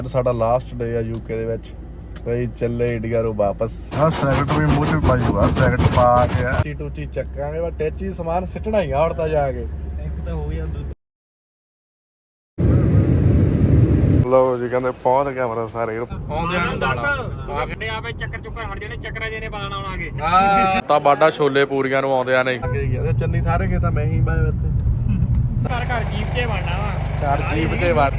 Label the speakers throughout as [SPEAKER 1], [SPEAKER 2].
[SPEAKER 1] ਸਾਡਾ last day ਆ UK ਦੇ ਵਿੱਚ ਬਈ ਚੱਲੇ ਇੰਡੀਆ ਨੂੰ ਵਾਪਸ। ਹਾਂ ਸੈਕਟ ਵੀ ਮੂੰਹ 'ਚ ਪਾਜੂਗਾ, ਸੈਕਟ ਪਾ ਕੇ ਟੀਚੀ ਟੂਚੀ ਚੱਕਾਂਗੇ ਬਸ ਟੇਚੀ ਸਮਾਨ ਸਿੱਟਣਾ ਹੀ ਆ ਹੁਣ ਤਾਂ ਜਾ ਕੇ।
[SPEAKER 2] ਇੱਕ ਤਾਂ ਹੋ ਗਿਆ
[SPEAKER 1] ਲਓ ਜੀ ਕਹਿੰਦੇ ਪਹੁੰਚ ਗਿਆ ਮੇਰਾ ਸਾਰੇ ਆਉਂਦਿਆਂ ਨੂੰ ਦਾਣਾ
[SPEAKER 2] ਆਗੜੇ ਆਪੇ ਚੱਕਰ ਚੁੱਕਰ ਹਟ ਜਾਣੇ ਚੱਕਰਾਂ ਜਿਹਨੇ ਪਾਣਾ ਆਉਣਾਗੇ
[SPEAKER 1] ਤਾਂ ਬਾਡਾ ਛੋਲੇ ਪੂਰੀਆਂ ਨੂੰ ਆਉਂਦਿਆਂ ਨੇ ਅੱਗੇ ਗਿਆ ਚੰਨੀ ਸਾਰੇ ਖੇਤ ਮੈਂ ਹੀ ਬਾਏ ਇੱਥੇ
[SPEAKER 2] ਘਰ ਘਰ ਜੀਪ 'ਚ ਵੜਨਾ ਵਾ
[SPEAKER 1] ਘਰ ਜੀਪ 'ਚ ਵੜ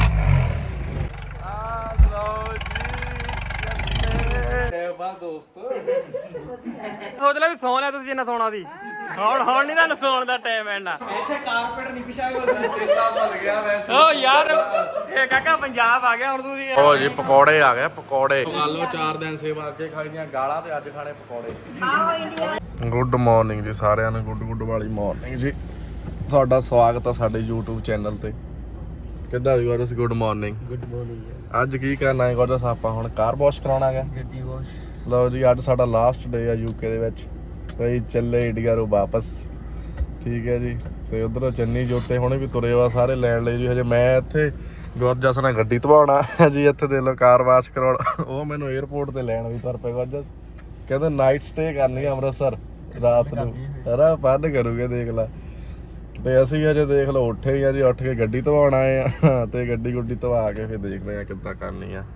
[SPEAKER 2] ਸੋਚ ਲੈ ਵੀ ਸੌਣ ਲਿਆ ਤੁਸੀਂ ਜਿੰਨਾ ਸੌਣਾ ਸੀ ਹੁਣ ਨਹੀਂ ਤੁਹਾਨੂੰ ਸੌਣ ਦਾ ਟਾਈਮ ਐਣਾ ਇੱਥੇ ਕਾਰਪੇਟ ਨਹੀਂ ਵਿਛਿਆ ਹੋਇਆ
[SPEAKER 1] ਚੇਤਾ ਭੁੱਲ ਗਿਆ ਵੈਸੇ
[SPEAKER 2] ਓ ਯਾਰ ਇਹ ਕਾਕਾ ਪੰਜਾਬ ਆ ਗਿਆ ਹੁਣ ਤੁਸੀਂ
[SPEAKER 1] ਓ ਜੀ ਪਕੌੜੇ ਆ ਗਏ ਪਕੌੜੇ ਲਓ 4 ਦਿਨ ਸੇਵਾ ਅੱਗੇ ਖਾਈ ਦੀਆਂ ਗਾਲਾਂ ਤੇ ਅੱਜ ਖਾਣੇ ਪਕੌੜੇ। ਗੁੱਡ ਮਾਰਨਿੰਗ ਜੀ ਸਾਰਿਆਂ ਨੂੰ, ਗੁੱਡ ਵਾਲੀ ਮਾਰਨਿੰਗ ਜੀ। ਤੁਹਾਡਾ ਸਵਾਗਤ ਆ ਸਾਡੇ YouTube ਚੈਨਲ ਤੇ। ਕਿੱਦਾਂ ਵੀ ਗੋਰਸ ਗੁੱਡ ਮਾਰਨਿੰਗ।
[SPEAKER 2] Good morning.
[SPEAKER 1] ਅੱਜ ਕੀ ਕਰਨਾ ਹੈ ਗੋਰਸ, ਆਪਾਂ ਹੁਣ ਕਾਰ ਵਾਸ਼ ਕਰਾਉਣਾ ਹੈ
[SPEAKER 2] ਗੱਡੀ ਵਾਸ਼।
[SPEAKER 1] ਲਓ ਜੀ ਅੱਜ ਸਾਡਾ ਲਾਸਟ ਡੇ ਆ ਯੂਕੇ ਦੇ ਵਿੱਚ ਬਈ ਚੱਲੇ ਇੰਡੀਆ ਨੂੰ ਵਾਪਸ। ਠੀਕ ਹੈ ਜੀ ਤੇ ਉਧਰੋਂ ਚੰਨੀ ਜੋਤੇ ਹੁਣੇ ਵੀ ਤੁਰੇ ਵਾ ਸਾਰੇ ਲੈਣ ਲਈ ਜੀ। ਹਜੇ ਮੈਂ ਇੱਥੇ ਗੁਰਜਸ ਨਾਲ ਗੱਡੀ ਧਵਾਉਣਾ ਜੀ, ਇੱਥੇ ਦੇ ਲੋ ਕਾਰ ਵਾਸ਼ ਕਰਾਉਣਾ। ਉਹ ਮੈਨੂੰ 에어ਪੋਰਟ ਤੇ ਲੈਣ ਵੀ ਤੁਰ ਪਏ ਗੁਰਜਸ, ਕਹਿੰਦੇ ਨਾਈਟ ਸਟੇ ਕਰਨੀ ਆ ਅੰਮ੍ਰਿਤਸਰ ਰਾਤ ਨੂੰ ਸਾਰਾ ਫਨ ਕਰੂਗੇ ਦੇਖ ਲਾ। ਤੇ ਅਸੀਂ ਅਜੇ ਦੇਖ ਲਓ ਉੱਠੇ ਹੀ ਆ ਜੀ, ਉੱਠ ਕੇ ਗੱਡੀ ਧਵਾਉਣ ਆਏ ਆ ਤੇ ਗੱਡੀ ਗੁੱਡੀ ਧਵਾ ਕੇ ਫਿਰ ਦੇਖਦੇ ਆ ਕਿੱਦਾਂ ਕਰਨੀ ਆ।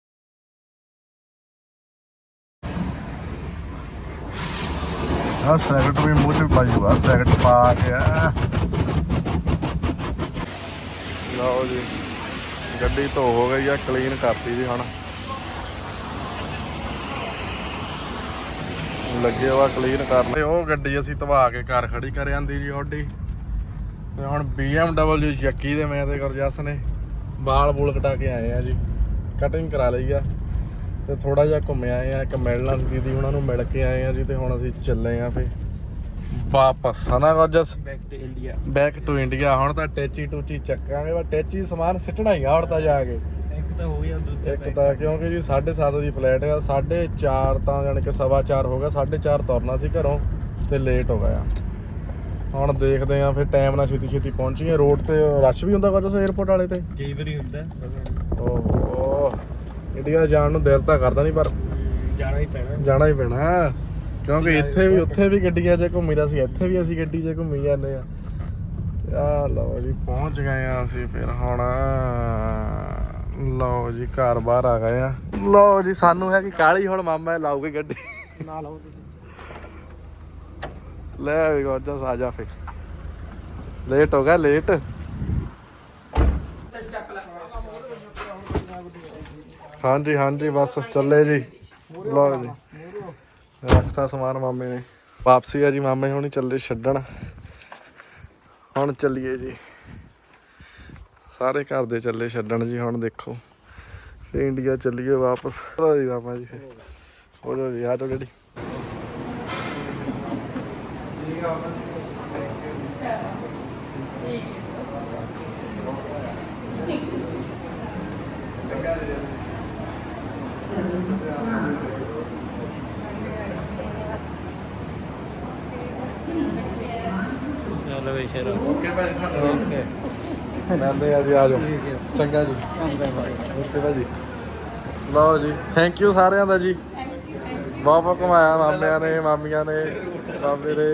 [SPEAKER 1] ਸੈਕਟ ਵੀ ਮੂੰਹ 'ਚ ਪਾਜੂਗਾ, ਸੈਕਟ ਪਾ ਕੇ ਲਓ ਜੀ ਗੱਡੀ ਧੋ ਹੋ ਗਈ ਆ, ਕਲੀਨ ਕਰਤੀ ਜੀ। ਹੁਣ ਲੱਗੇ ਵਾ ਕਲੀਨ ਕਰਨ। ਉਹ ਗੱਡੀ ਅਸੀਂ ਧਵਾ ਕੇ ਘਰ ਖੜੀ ਕਰ ਜਾਂਦੀ ਜੀ ਆਡੀ। ਤੇ ਹੁਣ BMW ਚੱਕੀ ਦੇ ਮੈਂ ਤੇ ਗੁਰਜਸ ਨੇ ਵਾਲ ਬੂਲ ਕਟਾ ਕੇ ਆਏ ਆ ਜੀ, ਕਟਿੰਗ ਕਰਾ ਲਈ ਆ ਤੇ ਥੋੜਾ ਜਿਹਾ ਘੁੰਮੇ ਆਏ ਆ। ਇੱਕ ਮਿਲਣਾ ਸੀ ਦੀਦੀ ਉਹਨਾਂ ਨੂੰ, ਮਿਲ ਕੇ ਆਏ ਆ ਜੀ। ਤੇ ਹੁਣ ਅਸੀਂ ਚੱਲੇ ਆ ਫਿਰ ਵਾਪਸ ਹਨਾ ਗੁਰਜਸ, ਬੈਕ ਟੂ ਇੰਡੀਆ। ਹੁਣ ਤਾਂ ਟੇਚੀ ਟੂਚੀ ਚੱਕਾਂਗੇ ਬਸ ਟੇਚੀ ਸਮਾਨ ਸਿੱਟਣਾ ਹੀ ਆ ਹੁਣ ਤਾਂ ਜਾ ਕੇ।
[SPEAKER 2] ਇੱਕ ਤਾਂ ਹੋ ਗਿਆ ਦੂਜਾ
[SPEAKER 1] ਇੱਕ ਤਾਂ ਕਿਉਂਕਿ ਜੀ 7:30 ਦੀ ਫਲਾਈਟ ਆ, 4:30 ਤਾਂ ਜਾਣੀ ਕਿ 4:15 ਹੋ ਗਿਆ, 4:30 ਤੁਰਨਾ ਸੀ ਘਰੋਂ ਤੇ ਲੇਟ ਹੋ ਗਿਆ। ਹੁਣ ਦੇਖਦੇ ਆ ਫਿਰ ਟਾਈਮ ਨਾਲ ਛੇਤੀ ਪਹੁੰਚੀਏ। ਰੋਡ ਤੇ ਰਸ਼ ਵੀ ਹੁੰਦਾ ਗੁਰਜਸ 에어ਪੋਰਟ ਵਾਲੇ ਤੇ
[SPEAKER 2] ਕਈ ਵਾਰੀ ਹੁੰਦਾ।
[SPEAKER 1] ਓਹ ਇੰਡੀਆ ਜਾਣ ਨੂੰ ਦਿਲ ਤਾਂ ਕਰਦਾ ਨਹੀਂ ਪਰ ਜਾਣਾ ਹੀ ਪੈਣਾ ਕਿਉਂਕਿ ਇੱਥੇ ਵੀ ਉੱਥੇ ਵੀ ਗੱਡੀਆਂ 'ਚ ਘੁੰਮੀ ਦਾ ਸੀ, ਇੱਥੇ ਵੀ ਅਸੀਂ ਗੱਡੀ 'ਚ ਘੁੰਮੀ ਜਾਂਦੇ ਆ। ਆ ਲਓ ਜੀ ਪਹੁੰਚ ਗਏ ਆ ਅਸੀਂ ਫਿਰ। ਹੁਣ ਲਓ ਜੀ ਘਰ ਬਾਹਰ ਆ ਗਏ ਆ। ਲਓ ਜੀ ਸਾਨੂੰ ਹੈ ਕਿ ਕਾਹਲੀ, ਹੁਣ ਮਾਮਾ ਲਾਊਗੇ ਗੱਡੀ
[SPEAKER 2] ਨਾ ਲਾਓ
[SPEAKER 1] ਲੈ ਵੀ ਗੁਰਜਸ ਆ ਜਾ ਫਿਰ, ਲੇਟ ਹੋ ਗਿਆ ਲੇਟ। ਹਾਂਜੀ ਬਸ ਚੱਲੇ ਜੀ। ਲਓ ਜੀ ਰੱਖਤਾ ਸਮਾਨ ਮਾਮੇ ਨੇ, ਵਾਪਸੀ ਆ ਜੀ। ਮਾਮੇ ਹੁਣੀ ਚੱਲੇ ਛੱਡਣ। ਹੁਣ ਚੱਲੀਏ ਜੀ, ਸਾਰੇ ਘਰ ਦੇ ਚੱਲੇ ਛੱਡਣ ਜੀ। ਹੁਣ ਦੇਖੋ ਇੰਡੀਆ ਚੱਲੀਏ ਵਾਪਸ। ਚਲੋ ਜੀ ਮਾਮਾ ਜੀ ਹੋ ਜਾਓ ਜੀ, ਆ ਜਾਓ ਡੈਡੀ।
[SPEAKER 2] ਚਲੋ ਵੇ ਸ਼ੇਰ
[SPEAKER 1] ਓਕੇ ਭਾਈ ਓਕੇ ਮਿਲਦੇ ਆ ਜੀ, ਆ ਜਾਓ। ਚੰਗਾ ਜੀ ਓਕੇ ਭਾਜੀ। ਲਓ ਜੀ ਥੈਂਕ ਯੂ ਸਾਰਿਆਂ ਦਾ ਜੀ, ਬਹੁਤ ਘੁਮਾਇਆ ਮਾਮਿਆਂ ਨੇ ਮਾਮੀਆਂ ਨੇ ਬਾਬੇ ਨੇ।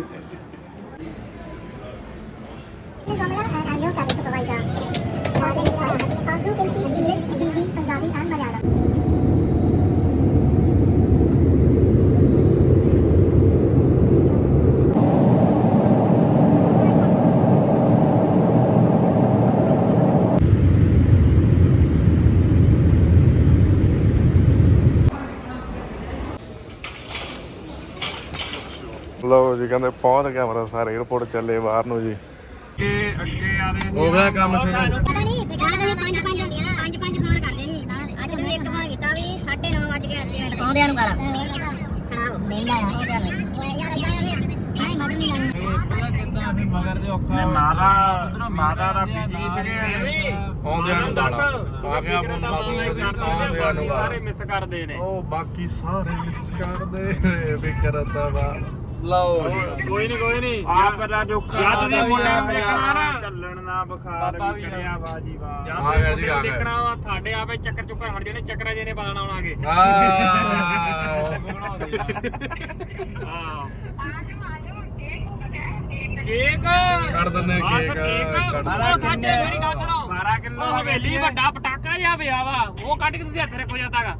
[SPEAKER 1] ਲਓ ਜੀ ਕਹਿੰਦੇ ਪਹੁੰਚ ਗਿਆ ਮੇਰਾ ਸਾਰੇ 에어ਪੋਰਟ ਚੱਲੇ ਬਾਹਰ ਨੂੰ ਜੀ।
[SPEAKER 2] ਅੱਗੇ ਆਲੇ
[SPEAKER 1] ਹੋ ਗਿਆ ਕੰਮ ਸ਼ੁਰੂ।
[SPEAKER 3] ਪਤਾ ਨਹੀਂ ਬਿਠਾਣਾ ਪੰਜ ਫੋਨ ਕਰਦੇ ਨਹੀਂ। ਅੱਜ ਮੈਂ ਇੱਕ ਵਾਰ ਕੀਤਾ ਵੀ 9:30 ਵਜ ਗਏ ਆਉਂਦਿਆਂ ਨੂੰ ਗਾਲਾਂ ਸੁਣਾਓ ਮਹਿੰਗਾ ਆ ਓਏ ਯਾਰ ਇਦਾਂ ਨਹੀਂ ਮਗਰ ਨਹੀਂ ਜਾਣੀ।
[SPEAKER 2] ਪੂਰਾ ਕਹਿੰਦਾ ਵੀ ਮਗਰ ਦੇ ਔਖਾ
[SPEAKER 1] ਮਾਤਾ ਦਾ ਬੀਬੀ ਸੀਗੇ ਆਉਂਦਿਆਂ ਨੂੰ ਗਾਲਾਂ ਆ ਗਿਆ ਆਉਂਦਿਆਂ ਨੂੰ
[SPEAKER 2] ਸਾਰੇ ਮਿਸ ਕਰਦੇ ਨੇ।
[SPEAKER 1] ਉਹ ਬਾਕੀ ਸਾਰੇ ਮਿਸ ਕਰਦੇ ਵੀ ਕਰਦਾ ਵਾ ਲਓ ਜੀ
[SPEAKER 2] ਕੋਈ ਨਹੀਂ
[SPEAKER 4] ਆਪ ਦਾ ਦੁੱਖ
[SPEAKER 2] ਜਦ ਦੇ ਮੁੰਡਿਆਂ ਨੂੰ ਦੇਖਣਾ ਨਾ
[SPEAKER 4] ਚੱਲਣ ਨਾ ਬੁਖਾਰ
[SPEAKER 2] ਬਾਬਾ
[SPEAKER 4] ਵੀ
[SPEAKER 2] ਵੀ
[SPEAKER 4] ਚੜਿਆ ਬਾਜੀ ਵਾ
[SPEAKER 1] ਆ ਗਿਆ ਜੀ, ਆ ਗਿਆ।
[SPEAKER 2] ਦੇਖਣਾ ਵਾ ਤੁਹਾਡੇ ਆਪੇ ਚੱਕਰ ਚੁੱਕਰ ਹਟ ਜਾਣੇ ਚੱਕਰਾਂ ਜਿਹਨੇ ਬਦਲਣਾ ਆਉਣਾਗੇ ਹਾਂ ਕੇਕ
[SPEAKER 1] ਕੱਢ ਦਿੰਨੇ ਕੇਕ, ਕੱਢ
[SPEAKER 2] ਉਹ ਸਾਜੇ ਮੇਰੀ ਗੱਲ ਸੁਣੋ
[SPEAKER 4] 12 ਕਿਲੋ
[SPEAKER 2] ਉਹ ਹਵੇਲੀ ਵੱਡਾ ਪਟਾਕਾ ਜਿਹਾ ਪਿਆ ਵਾ ਉਹ ਕੱਢ ਕੇ ਤੁਸੀਂ ਹੱਥ ਰੱਖੋ ਜਾਂਦਾਗਾ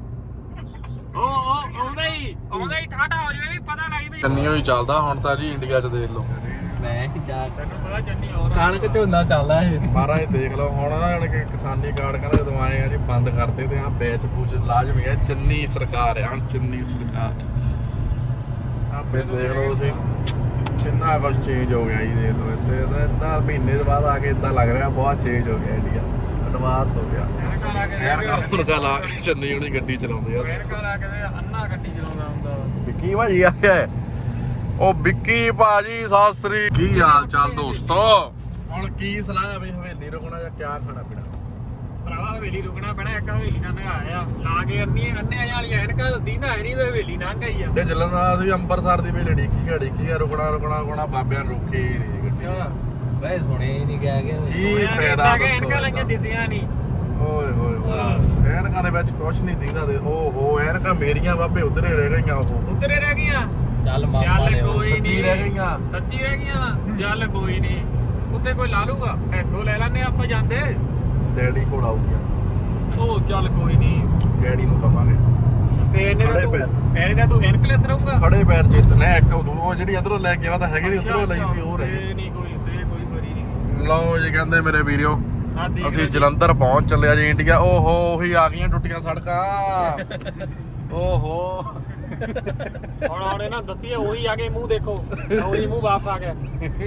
[SPEAKER 2] ਉਹ ਆਉਂਦਾ ਹੀ ਠਾਠਾ ਹੋ ਜਾਵੇ ਵੀ ਪਤਾ ਲੱਗ ਵੀ
[SPEAKER 1] ਚੰਨੀਓ ਹੀ ਚੱਲਦਾ ਹੁਣ ਤਾਂ ਜੀ ਇੰਡੀਆ 'ਚ ਦੇਖ ਲਓ
[SPEAKER 2] ਮੈਂ ਕਿ ਜਾ ਤੈਨੂੰ ਪਤਾ ਚੰਨੀ ਹੋਰ
[SPEAKER 5] ਕਣਕ ਝੋਨਾ ਚੱਲਦਾ ਇਹ
[SPEAKER 1] ਮਹਾਰਾਜ ਦੇਖ ਲਓ ਹੁਣ ਨਾ ਜਾਣੀ ਕਿ ਕਿਸਾਨੀ ਕਾਰਡ ਕਹਿੰਦੇ ਦਵਾਏ ਆ ਜੀ ਬੰਦ ਕਰਤੇ ਤੇ ਆ ਬੈਚ ਪੂਚ ਲਾਜ਼ਮੀ ਹੈ ਚੰਨੀ ਸਰਕਾਰ ਆ ਚੰਨੀ ਸਰਕਾਰ ਆਪੇ ਦੇਖ ਲਓ ਤੁਸੀਂ ਕਿੰਨਾ ਕੁਝ ਚੇਂਜ ਹੋ ਗਿਆ ਜੀ ਦੇਖ ਲਓ ਇੱਥੇ ਤਾਂ ਇਦਾਂ ਮਹੀਨੇ ਦੇ ਬਾਅਦ ਆ ਕੇ ਇਦਾਂ ਲੱਗ ਰਿਹਾ ਬਹੁਤ ਚੇਂਜ ਹੋ ਗਿਆ ਇੰਡੀਆ ਐਡਵਾਂਸ ਹੋ ਗਿਆ ਐਨਕਾਂ ਲਾ ਕੇ ਚੰਨੀ ਉਹਦੀ ਗੱਡੀ ਚਲਾਉਂਦੇ ਆ
[SPEAKER 2] ਐਨਕਾਂ ਲਾ ਕੇ ਤੇ ਅੰਨਾ ਗੱਡੀ ਚਲਾਉਂਦਾ ਹੁੰਦਾ
[SPEAKER 1] ਵਿੱਕੀ ਭਾਜੀ ਆ ਗਿਆ ਉਹ ਵਿੱਕੀ ਭਾਜੀ ਸਤਿ ਸ੍ਰੀ ਕੀ ਹਾਲ ਚਾਲ ਦੋਸਤੋ ਹੁਣ ਕੀ ਸਲਾਹ ਹੈ ਬਈ ਹਵੇਲੀ ਰੁਕਣਾ ਜਾਂ ਕਿਆ ਖਾਣਾ ਪੀਣਾ
[SPEAKER 2] ਭਰਾਵਾ ਹਵੇਲੀ ਰੁਕਣਾ ਪੈਣਾ ਇੱਕ ਹਵੇਲੀ ਨਾਲ ਨਗਾਇਆ ਲਾ ਕੇ ਅੰਨੇ ਵਾਲੀ ਐਨਕਾਂ ਦੀਂਦਾ ਹੈ ਨਹੀਂ ਵੇ ਹਵੇਲੀ ਨਾਲ ਗਈ ਆ
[SPEAKER 1] ਤੇ ਚੱਲਣ ਦਾ ਅਸੀਂ ਅੰਮ੍ਰਿਤਸਰ ਦੀ ਵੇਲੇ ਢੀਕੀ ਰੁਕਣਾ ਬਾਬਿਆਂ ਨੂੰ ਰੋਕੀ ਨਹੀਂ ਗੱਡੀ
[SPEAKER 5] ਵੈ ਸੁਣਿਆ ਹੀ ਨਹੀਂ ਗਿਆ ਕਿ
[SPEAKER 1] ਕੀ ਫਾਇਦਾ
[SPEAKER 2] ਐਨਕਾਂ ਲਾਈਆਂ ਦਿਸੀਆਂ ਨਹੀਂ
[SPEAKER 1] ਓਏ ਹੋਏ ਐਨਕਾਂ ਦੇ ਵਿੱਚ ਕੁਛ ਨਹੀਂ ਦਿਖਦਾ ਦੇ ਓਹੋ ਐਨਕਾਂ ਮੇਰੀਆਂ ਬਾਬੇ ਉਧਰੇ ਰਹਿ ਗਈਆਂ ਉਹ
[SPEAKER 2] ਉੱਤਰੇ ਰਹਿ ਗਈਆਂ
[SPEAKER 5] ਚੱਲ ਮਾਮਾ
[SPEAKER 2] ਚੱਲ
[SPEAKER 5] ਨੇ
[SPEAKER 2] ਕੋਈ
[SPEAKER 1] ਸੱਚੀ ਰਹਿ ਗਈਆਂ
[SPEAKER 2] ਸੱਚੀ ਰਹਿ ਗਈਆਂ ਚੱਲ ਕੋਈ ਨਹੀਂ ਉੱਤੇ ਕੋਈ ਲਾ ਲੂਗਾ ਇੱਥੋਂ ਲੈ ਲੈਣੇ ਆਪਾਂ ਜਾਂਦੇ
[SPEAKER 1] ਡੈਡੀ ਕੋਲ ਆਊਗਾ
[SPEAKER 2] ਉਹ ਚੱਲ ਕੋਈ ਨਹੀਂ
[SPEAKER 1] ਡੈਡੀ ਨੂੰ ਕਵਾਂਗੇ
[SPEAKER 2] ਤੇ ਇਹਨੇ
[SPEAKER 1] ਖੜੇ
[SPEAKER 2] ਦਾ
[SPEAKER 1] ਪੈਰ।
[SPEAKER 2] ਇਹਨੇ ਦਾ ਤੂੰ ਐਨਕਲੈਸ ਰਹੂਗਾ
[SPEAKER 1] ਖੜੇ ਪੈਰ ਜਿੱਤਨੇ ਇੱਕ ਉਹ ਜਿਹੜੀ ਇਧਰੋਂ ਲੈ ਕੇ ਆਵਾ ਤਾਂ ਹੈਗੀ ਨਹੀਂ ਉਧਰੋਂ ਲਈ ਸੀ ਉਹ ਰਹਿ ਗਈ
[SPEAKER 2] ਨਹੀਂ ਕੋਈ ਬਰੀ ਨਹੀਂ
[SPEAKER 1] ਲਓ ਜੀ ਕਹਿੰਦੇ ਮੇਰੇ ਵੀਰਿਓ
[SPEAKER 2] ਆ ਦੇਖ
[SPEAKER 1] ਅਸੀਂ ਜਲੰਧਰ ਪਹੁੰਚ ਚੱਲਿਆ ਜੀ ਇੰਡੀਆ ਓਹੋ ਉਹੀ ਆ ਗਈਆਂ ਟੁੱਟੀਆਂ ਸੜਕਾਂ ਓਹੋ
[SPEAKER 2] ਹੁਣ ਇਹਨਾਂ ਦੱਸੀਏ ਉਹੀ ਆ ਕੇ ਮੂੰਹ ਦੇਖੋ ਉਹੀ ਮੂੰਹ ਵਾਪਸ ਆ ਗਿਆ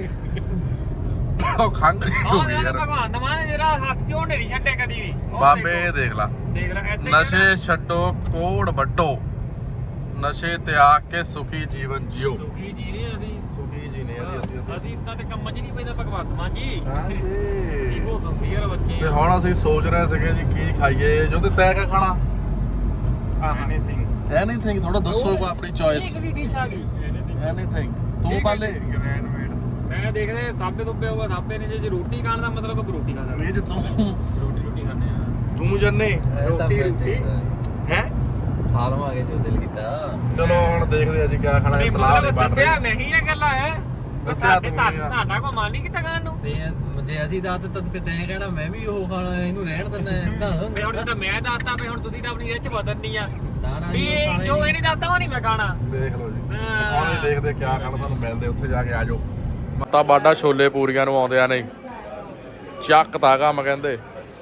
[SPEAKER 1] ਉਹ ਖੰਗ ਹੋ
[SPEAKER 2] ਆਹ
[SPEAKER 1] ਗਈ
[SPEAKER 2] ਯਾਰ
[SPEAKER 1] ਯਾਰ
[SPEAKER 2] ਭਗਵਾਨ ਦਾ ਮਾਨ ਜਿਹੜਾ ਹੱਥ ਚੋਂ ਨਹੀਂ ਛੱਡੇ ਕਦੀ ਵੀ ਉਹ
[SPEAKER 1] ਬਾਬੇ
[SPEAKER 2] ਦੇਖੋ।
[SPEAKER 1] ਦੇਖ ਲਾ
[SPEAKER 2] ਦੇਖ ਲੈ ਏਦਾਂ ਹੀ ਆ
[SPEAKER 1] ਨਸ਼ੇ ਛੱਡੋ ਕੋੜ ਵੱਡੋ ਨਸ਼ੇ ਤਿਆਗ ਕੇ ਸੁਖੀ ਜੀਵਨ ਜਿਓ
[SPEAKER 2] ਨਾ। ਸੁਖੀ ਜੀ ਨਹੀਂ ਅਸੀਂ
[SPEAKER 1] ਸੁਖੀ ਜੀ ਨੇ
[SPEAKER 2] ਅਸੀਂ ਇਦਾਂ ਤੇ ਕੰਮਾਂ 'ਚ ਨਹੀਂ ਪੈਂਦਾ ਭਗਵੰਤ ਮਾਨ ਜੀ
[SPEAKER 1] ਹਾਂਜੀ
[SPEAKER 2] ਉਹ ਸੰਸੀਅਰ ਬੱਚੇ
[SPEAKER 1] ਤੇ ਹੁਣ ਅਸੀਂ ਸੋਚ ਰਹੇ ਸੀਗੇ ਜੀ ਕੀ ਖਾਈਏ ਜੋ ਤੇ ਤੈਅ ਕਿਆ ਖਾਣਾ
[SPEAKER 4] ਐਨੀਥਿੰਗ
[SPEAKER 1] ਐਨੀਥਿੰਗ ਥੋੜਾ ਦੱਸੋ ਕੋ ਆਪਣੀ ਚੋਇਸ
[SPEAKER 2] ਕਿਹੜੀ ਡਿਸ਼ ਆ ਗਈ
[SPEAKER 1] ਐਨੀਥਿੰਗ ਤੂੰ ਪਾਲੇ
[SPEAKER 2] ਮੈਂ ਦੇਖਦੇ ਸਾਬੇ ਤੋਂ ਪਿਆ ਹੋਇਆ ਸਾਬੇ ਨੇ ਜੇ ਰੋਟੀ ਖਾਣ ਦਾ ਮਤਲਬ ਰੋਟੀ ਖਾਂਦਾ
[SPEAKER 1] ਇਹ ਤੂੰ
[SPEAKER 2] ਰੋਟੀ ਖਾਂਦੇ ਆ
[SPEAKER 1] ਤੂੰ ਜੰਨੇ
[SPEAKER 2] ਰੋਟੀ
[SPEAKER 1] ਹੈ
[SPEAKER 5] ਖਾ ਲਵਾਂਗੇ ਜੋ ਦਿਲ ਕੀਤਾ
[SPEAKER 1] ਚਲੋ ਹੁਣ ਦੇਖਦੇ ਆ ਜੀ ਕਿਆ ਖਾਣਾ ਹੈ ਸਲਾਹ ਨਹੀਂ ਬਣ
[SPEAKER 2] ਦੱਸਿਆ
[SPEAKER 1] ਰਹੀ
[SPEAKER 2] ਮੈਂ ਹੀ ਇਹ ਗੱਲਾਂ ਹੈ
[SPEAKER 1] ਦੱਸਿਆ ਤੂੰ ਹੀ ਆ।
[SPEAKER 2] ਤੁਹਾਡਾ ਕੋ ਮਾਨ ਨਹੀਂ ਕੀਤਾ ਖਾਣ ਨੂੰ
[SPEAKER 5] ਤੇ ਜੇ ਅਸੀਂ ਦੱਸ ਤਦ ਤੇ ਤੈਂ ਕਹਿਣਾ ਮੈਂ ਵੀ ਉਹ ਖਾਣਾ ਇਹਨੂੰ ਰਹਿਣ ਦਿੰਦਾ ਏਦਾਂ
[SPEAKER 2] ਤੇ ਹੁਣ ਤਾਂ ਮੈਂ ਦੱਸਤਾ ਵੀ ਹੁਣ ਤੁਸੀਂ ਤਾਂ ਆਪਣੀ ਰਿਚ ਬਦਲਣੀ ਆ
[SPEAKER 5] ਨਾ ਨਾ
[SPEAKER 2] ਵੀ
[SPEAKER 5] ਜੀ, ਉਹ ਖਾਣਾ
[SPEAKER 2] ਜੋ
[SPEAKER 5] ਹੀ
[SPEAKER 2] ਇਹ ਨਹੀਂ ਦੱਸਦਾ ਉਹ ਨਹੀਂ ਮੈਂ ਖਾਣਾ
[SPEAKER 1] ਦੇਖ ਲਓ ਜੀ
[SPEAKER 2] ਹਾਂ।
[SPEAKER 1] ਹੁਣ ਅਸੀਂ ਦੇਖਦੇ ਆ ਕਿਆ ਖਾਣਾ ਤੁਹਾਨੂੰ ਮਿਲਦੇ ਉੱਥੇ ਜਾ ਕੇ ਆਜੋ ਮਤਾ ਬਾਡਾ ਛੋਲੇ ਪੂਰੀਆਂ ਨੂੰ ਆਉਂਦੇ ਆ ਨਹੀਂ ਚੱਕ ਤਾਂ ਕੰਮ ਕਹਿੰਦੇ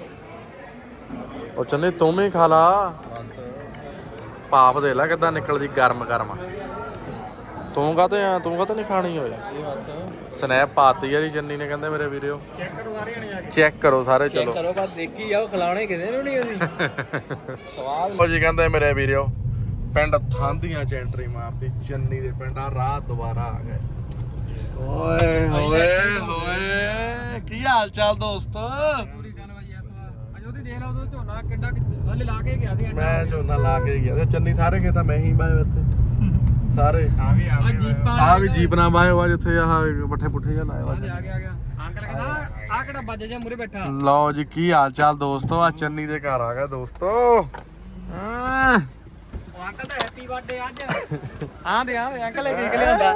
[SPEAKER 1] ਉਹ ਚੰਨੇ ਤੂੰ ਵੀ ਖਾ ਲਾ ਭਾਪ ਦੇ ਲੈ ਕਿੱਦਾਂ ਨਿਕਲਦੀ ਗਰਮ ਗਰਮ ਤੂੰ ਕਾਤੇ ਨਹੀਂ ਖਾਣੀ ਓਏ ਸਨੈਪ ਪਾਤੀ ਆ ਜੀ ਜੰਨੀ ਨੇ ਕਹਿੰਦੇ ਮੇਰੇ ਵੀਰਿਓ
[SPEAKER 2] ਚੈੱਕ ਕਰੋ ਸਾਰੇ ਜਣੇ ਜਾ ਕੇ
[SPEAKER 1] ਚੈੱਕ ਕਰੋ ਸਾਰੇ ਚਲੋ
[SPEAKER 5] ਕਰੋ ਬਸ ਦੇਖੀ ਜਾਓ ਖਿਲਾਉਣੇ ਕਿਸੇ ਨੂੰ ਨਹੀਂ ਅਸੀਂ ਸਵਾਦ
[SPEAKER 1] ਉਹ ਜੀ ਕਹਿੰਦੇ ਮੇਰੇ ਵੀਰਿਓ ਪਿੰਡ ਥਾਂਦੀਆਂ ਚ ਐਂਟਰੀ ਮਾਰਤੀ ਚੰਨੀ ਦੇ ਪਿੰਡ ਆ ਰਾਤ ਦੁਬਾਰਾ ਆ ਗਏ ਓਏ ਹੋਏ ਹੋਏ ਕੀ ਹਾਲ ਚਾਲ ਦੋਸਤੋ
[SPEAKER 2] ਪੂਰੀ ਜਾਨਵਾਈ ਇਸ ਵਾਰ ਅਜੋ ਦੀ ਦੇਖ ਲਓ ਉਹ ਝੋਨਾ ਕਿੱਡਾ ਹਲੇ ਲਾ ਕੇ ਗਿਆ ਸੀ
[SPEAKER 1] ਮੈਂ ਝੋਨਾ ਲਾ ਕੇ ਗਿਆ ਤੇ ਚੰਨੀ ਸਾਰੇ ਖੇਤਾਂ ਮੈਂ ਹੀ ਬਾਏ ਇੱਥੇ ਸਾਰੇ
[SPEAKER 4] ਆ ਵੀ
[SPEAKER 2] ਆ ਜੀਪਾਂ
[SPEAKER 1] ਆ ਵੀ ਜੀਪ ਨਾ ਬਾਏ ਵਾ ਜਿੱਥੇ ਆਹ ਪੱਠੇ ਪੁੱਠੇ ਜਾਂ ਲਾਏ ਵਾ
[SPEAKER 2] ਆ ਗਿਆ ਅੰਕਲ ਕਹਿੰਦਾ ਆ ਕਿਹੜਾ ਬੱਜ ਜਾ ਮੂਰੇ ਬੈਠਾ
[SPEAKER 1] ਲਓ ਜੀ ਕੀ ਹਾਲ ਚਾਲ ਦੋਸਤੋ ਆ ਚੰਨੀ ਦੇ ਘਰ ਆ ਗਿਆ ਦੋਸਤੋ ਹਾਂ
[SPEAKER 2] ਉਹ ਅੰਕਲ ਦਾ ਹੈਪੀ ਬਰਥਡੇ ਅੱਜ ਆਂਦੇ ਅੰਕਲ ਇਹ ਦੇਖ ਲਿਆਂਦਾ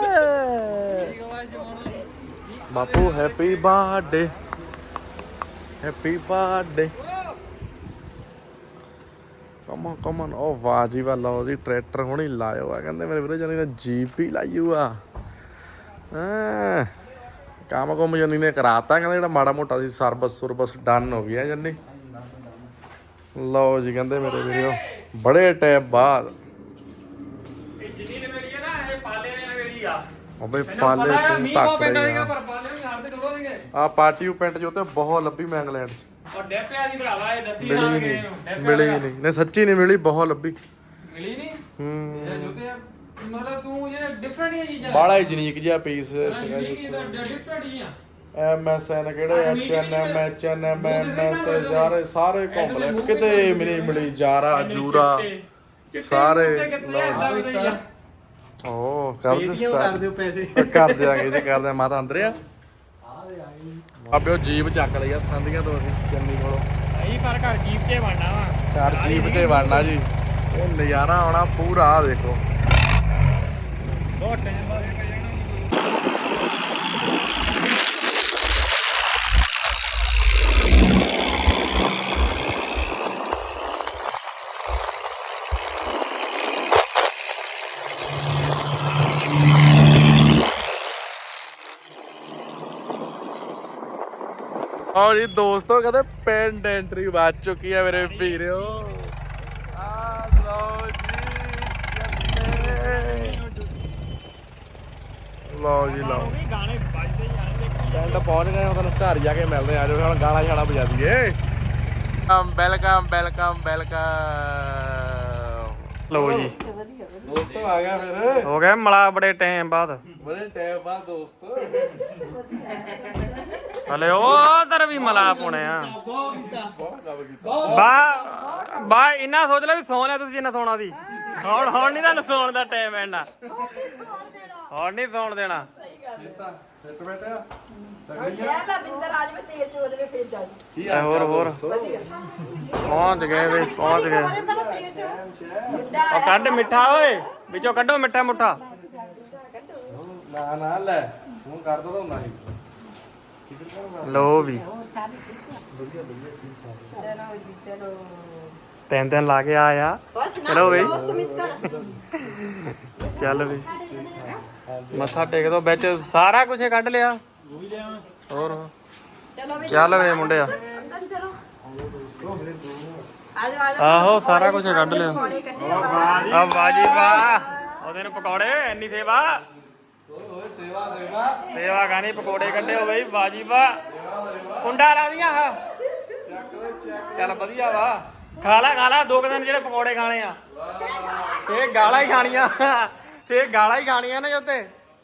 [SPEAKER 1] ਬਾਪੂ happy birthday happy birthday come on ਉਹ ਵਾਹ ਜੀ ਵਾਹ ਲਓ ਜੀ ਟਰੈਕਟਰ ਹੁਣੀ ਲਾਇਓ ਆ ਕਹਿੰਦੇ ਮੇਰੇ ਵੀਰੇ ਜਨੀ ਨੇ ਜੀਪ ਹੀ ਲਾਈਓ ਆ ਕੰਮ ਕੁਮ ਜਨੀ ਨੇ ਕਰਾਤਾ ਕਹਿੰਦੇ ਜਿਹੜਾ ਮਾੜਾ ਮੋਟਾ ਸੀ ਸਰਵਿਸ ਡਨ ਹੋ ਗਿਆ ਜੰਨੀ ਲਓ ਜੀ ਕਹਿੰਦੇ ਮੇਰੇ ਵੀਰੋ ਬੜੇ ਟਾਈਮ ਬਾਅਦ
[SPEAKER 2] ਇਹ ਜਿੰਨੀ ਨੇ ਮੇਰੀ ਹੈ ਨਾ ਇਹ ਪਾਲੇ ਨੇ ਮੇਰੀ ਆ
[SPEAKER 1] ਅਬੇ ਪਾਲੇ ਤੂੰ ਤੱਕ ਰਹੀ
[SPEAKER 2] ਪਰ ਪਾਲੇ ਵੀ ਹੜਦੇ ਥੋੜੋ ਦੇਗੇ
[SPEAKER 1] ਆ ਪਾਰਟੀ ਪੈਂਟ ਜੋ ਤੇ ਬਹੁਤ ਲੱਭੀ ਮੈਂ ਇੰਗਲੈਂਡ 'ਚ
[SPEAKER 2] ਔਰ ਡੈਪਿਆ ਦੀ ਭਰਾਵਾ ਇਹ ਦੱਸੀ
[SPEAKER 1] ਮਿਲੀ
[SPEAKER 2] ਨਾ
[SPEAKER 1] ਹੀ
[SPEAKER 2] ਗਏ
[SPEAKER 1] ਨਹੀਂ ਮਿਲੀ ਹੀ ਨਹੀਂ ਨੇ ਸੱਚੀ ਨਹੀਂ ਮਿਲੀ ਬਹੁਤ ਲੱਭੀ
[SPEAKER 2] ਮਿਲੀ ਨਹੀਂ
[SPEAKER 1] ਹੂੰ
[SPEAKER 2] ਇਹ ਜੁੱਤੇ ਮਤਲਬ ਤੂੰ ਜਿਹੜਾ ਡਿਫਰੈਂਟ ਹੀ ਚੀਜ਼ਾਂ
[SPEAKER 1] ਬਾਲਾ ਯੂਨੀਕ ਜਿਹਾ ਪੀਸ ਸੀਗਾ
[SPEAKER 2] ਜੀ ਤਾਂ ਡਿਫਰੈਂਟ ਹੀ ਆ
[SPEAKER 1] MSN ਕਿਹੜੇ HNM HNM MS ਸਾਰੇ ਘੁੰਮ ਲੈ ਕਿਤੇ ਮਿਲੀ ਜਾਰਾ ਜੂਰਾ ਸਾਰੇ ਓ ਕਰ ਦੇ
[SPEAKER 5] ਕਰ
[SPEAKER 1] ਸਟਾਰਟ
[SPEAKER 5] ਦਿਓ ਪੈਸੇ
[SPEAKER 1] ਕਰ ਦਿਆਂਗੇ ਜੀ ਕਰ ਦਿਆਂ ਮਾਤਾ ਅੰਦਰ ਆ ਆਪੇ ਉਹ ਜੀਪ ਚੱਕ ਲਈ ਆ ਸੰਦੀਆਂ ਤੋਂ ਅਸੀਂ ਚੰਨੀ ਕੋਲੋਂ
[SPEAKER 2] ਭਾਈ ਪਰ ਘਰ ਜੀਪ 'ਚ ਵੜਨਾ ਵਾ
[SPEAKER 1] ਘਰ ਜੀਪ 'ਚ ਵੜਨਾ ਜੀ ਇਹ ਨਜ਼ਾਰਾ ਆਉਣਾ ਪੂਰਾ ਆ ਦੇਖੋ
[SPEAKER 2] ਬਹੁਤ ਟਾਈਮ ਬਾਅਦ
[SPEAKER 1] ਔਰ ਜੀ ਦੋਸਤੋ ਕਹਿੰਦੇ ਪਿੰਡ ਐਂਟਰੀ ਵੱਜ ਚੁੱਕੀ ਹੈ ਮੇਰੇ ਵੀਰੋ ਆ ਲਓ ਜੀ ਲਓ
[SPEAKER 2] ਵੀ ਗਾਣੇ ਵੱਜਦੇ ਜਾਣਗੇ
[SPEAKER 1] ਪਿੰਡ ਪਹੁੰਚ ਗਏ ਹਾਂ ਤੁਹਾਨੂੰ ਘਰ ਜਾ ਕੇ ਮਿਲਦੇ ਆ ਜੋ ਹੁਣ ਗਾਣਾ ਛਾਣਾ ਵਜਾ ਦਈਏ ਵੈਲਕਮ ਵੈਲਕਮ ਵੈਲਕਮ
[SPEAKER 2] ਲਓ ਜੀ
[SPEAKER 1] ਦੋਸਤੋ ਆ ਗਿਆ ਫਿਰ
[SPEAKER 2] ਹੋ ਗਿਆ ਮਲਾ ਬੜੇ ਟਾਈਮ ਬਾਅਦ
[SPEAKER 1] ਬੜੇ ਟਾਈਮ ਬਾਅਦ ਦੋਸਤੋ
[SPEAKER 2] ਹਲੇ ਉਧਰ ਵੀ ਮਲਾ ਪੁਣੇ ਆ
[SPEAKER 1] ਬਹੁਤ ਕੰਮ ਕੀਤਾ
[SPEAKER 2] ਬਾ ਇੰਨਾ ਸੋਚ ਲੈ ਵੀ ਸੌਂ ਲਿਆ ਤੁਸੀਂ ਜਿੰਨਾ ਸੌਣਾ ਸੀ ਹੁਣ ਨਹੀਂ ਤੁਹਾਨੂੰ ਸੌਣ ਦਾ ਟਾਈਮ ਐਣਾ ਹੁਣ ਨਹੀਂ ਸੌਣ ਦੇਣਾ
[SPEAKER 1] ਸੈਟ ਬੈਠਾ
[SPEAKER 2] ਹੋਰ ਪਹੁੰਚ ਗਏ ਵੇ ਪਹੁੰਚ ਗਏ ਉਹ ਕੱਢ ਮਿੱਠਾ ਓਏ ਵਿੱਚੋਂ ਕੱਢੋ ਮਿੱਠਾ ਮੁੱਠਾ
[SPEAKER 1] ਨਾ ਨਾ ਲੈ ਹੁਣ ਕਰ ਦੋ ਤਾਂ ਹੁੰਦਾ ਸੀ
[SPEAKER 2] ਲੋ ਵੀ ਤਿੰਨ ਲਾ ਕੇ ਆਇਆ ਚਲੋ ਬਈ ਚੱਲ ਵੀ ਮੱਥਾ ਟੇਕ ਦੋ ਵਿੱਚ ਸਾਰਾ ਕੁਝ ਕੱਢ ਲਿਆ ਹੋਰ ਚੱਲ ਵੇ ਮੁੰਡਿਆ ਆਹੋ ਸਾਰਾ ਕੁਝ ਕੱਢ ਲਿਆ ਆ ਬਾਜੀ ਵਾਹ ਉਹਦੇ ਨੂੰ ਪਕੌੜੇ ਇੰਨੀ ਸੇਵਾ
[SPEAKER 1] ਓਏ ਸੇਵਾ ਸੇਵਾ
[SPEAKER 2] ਸੇਵਾ ਗਾਣੀ ਪਕੌੜੇ ਕੱਢੇ ਹੋ ਬਈ ਬਾਜੀ ਵਾਹ ਕੁੰਡਾ ਲਾ ਦੀਆਂ ਆ ਚੱਲ ਵਧੀਆ ਵਾ ਖਾ ਲਾ 2 ਦਿਨ ਜਿਹੜੇ ਪਕੌੜੇ ਖਾਣੇ ਆ ਤੇ ਗਾਲਾਂ ਹੀ ਖਾਣੀਆਂ ਤੇ ਗਾਲਾਂ ਹੀ ਖਾਣੀਆਂ ਨੇ ਉੱਤੇ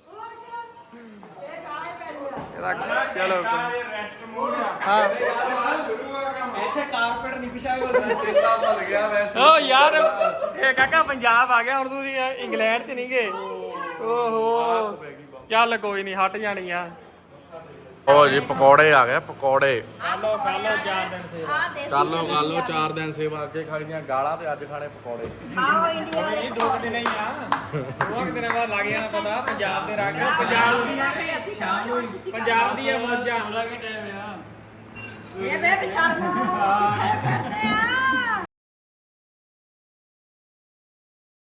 [SPEAKER 2] ਚਲੋ ਹਾਂ
[SPEAKER 5] ਇੱਥੇ ਕਾਰਪੇਟ ਨਹੀਂ ਵਿਛਾਇਆ
[SPEAKER 1] ਚੇਤਾ ਭੁੱਲ ਗਿਆ ਵੈਸੇ
[SPEAKER 2] ਓ ਯਾਰ ਇਹ ਕਾਕਾ ਪੰਜਾਬ ਆ ਗਿਆ ਹੁਣ ਤੁਸੀਂ ਇੰਗਲੈਂਡ 'ਚ ਨਹੀਂ ਗਏ ਓਹੋ ਚੱਲ ਕੋਈ ਨਹੀਂ ਹਟ ਜਾਣੀ ਆ
[SPEAKER 1] ਓ ਜੀ ਪਕੌੜੇ ਆ ਗਏ ਪਕੌੜੇ
[SPEAKER 2] ਖਾ ਲੋ 4 ਦਿਨ ਤੇ
[SPEAKER 1] ਕਰ ਲੋ 4 ਦਿਨ ਸੇਵਾ ਅੱਗੇ ਖਾਈਆਂ ਗਾਲਾਂ ਤੇ ਅੱਜ ਖਾਣੇ ਪਕੌੜੇ
[SPEAKER 2] ਇਹ 2 ਦਿਨ ਹੀ ਆ 2 ਦਿਨਾਂ ਬਾਅਦ ਲੱਗ ਜਾਣਾ ਪਤਾ ਪੰਜਾਬ ਦੇ ਰੰਗ ਪੰਜਾਬ ਦੀਆਂ ਮੌਜਾਂ
[SPEAKER 3] ਇਹ ਬੇ ਸ਼ਰਮ ਕਰਦੇ ਆ